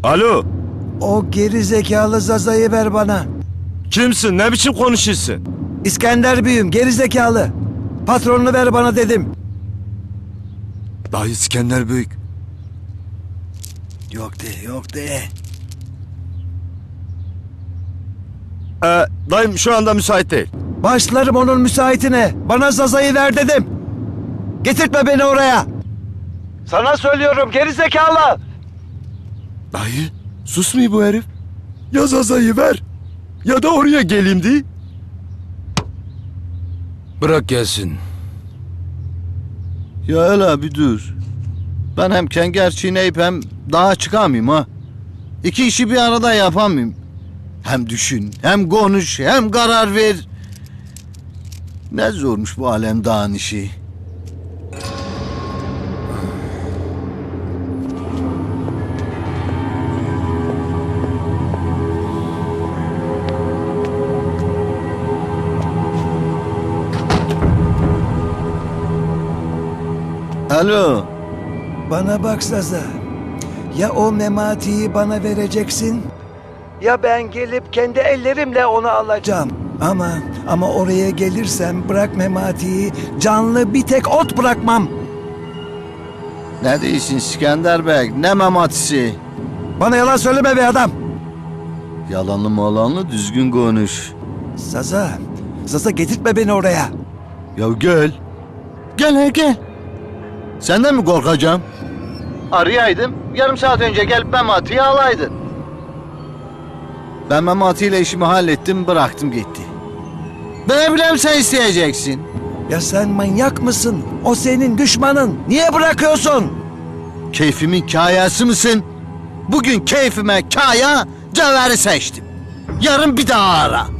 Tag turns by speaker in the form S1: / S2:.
S1: Alo.
S2: O geri zekalı Zaza'yı ver bana.
S1: Kimsin? Ne biçim konuşuyorsun?
S2: İskender büyüm, geri zekalı. Patronunu ver bana dedim.
S1: Dayı İskender Büyük.
S2: Yok de, yok de.
S1: Dayım şu anda müsait değil.
S2: Başlarım onun müsaitine. Bana Zaza'yı ver dedim. Getirtme beni oraya. Sana söylüyorum geri zekalı.
S1: Dayı susmuyor bu herif. Ya Zaza'yı ver ya da oraya geleyim diye.
S3: Bırak gelsin.
S4: Ya hele bir dur. Ben hem kenger çiğneyip hem daha çıkamayayım ha. İki işi bir arada yapamayayım. Hem düşün, hem konuş, hem karar ver. Ne zormuş bu alem dağın işi. Alo.
S2: Bana bak Zaza. Ya o Memati'yi bana vereceksin, ya ben gelip kendi ellerimle onu alacağım. Ama oraya gelirsem bırak Memati'yi, canlı bir tek ot bırakmam.
S4: Ne diyorsun İskender Bey? Ne mematisi?
S2: Bana yalan söyleme be adam.
S4: Yalanlı malanlı düzgün konuş.
S2: Zaza getirtme beni oraya.
S4: Ya gel. Gel gel. Senden mi korkacağım? Arayaydım. Yarım saat önce gelip Memati'yi alaydın. Ben Memati ile işimi hallettim, bıraktım gitti. Ben bileyim sen isteyeceksin.
S2: Ya sen manyak mısın? O senin düşmanın. Niye bırakıyorsun?
S4: Keyfimin kayası mısın? Bugün keyfime kaya, cevheri seçtim. Yarın bir daha ara.